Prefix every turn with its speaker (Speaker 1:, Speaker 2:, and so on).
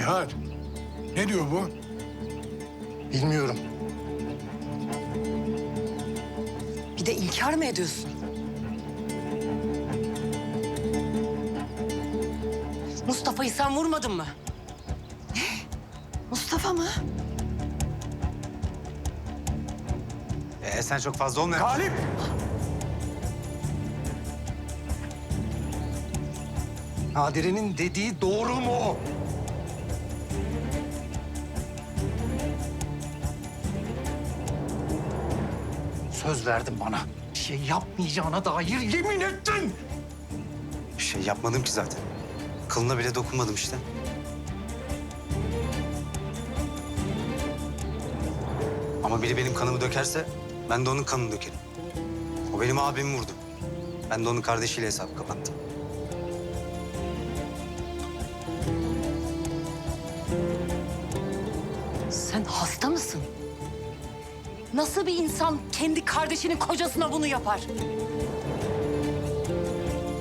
Speaker 1: Nihat, ne diyor bu?
Speaker 2: Bilmiyorum.
Speaker 3: Bir de inkar mı ediyorsun? Mustafa'yı sen vurmadın mı? Ne? Mustafa mı?
Speaker 4: Sen çok fazla olma.
Speaker 2: Galip! Nadire'nin dediği doğru mu? Söz verdin bana. Bir şey yapmayacağına dair yemin ettin.
Speaker 4: Bir şey yapmadım ki zaten. Kılına bile dokunmadım işte. Ama biri benim kanımı dökerse ben de onun kanını dökerim. O benim abimi vurdu. Ben de onun kardeşiyle hesap kapattım.
Speaker 3: Sen hasta mısın? Nasıl bir insan kendi kardeşinin kocasına bunu yapar?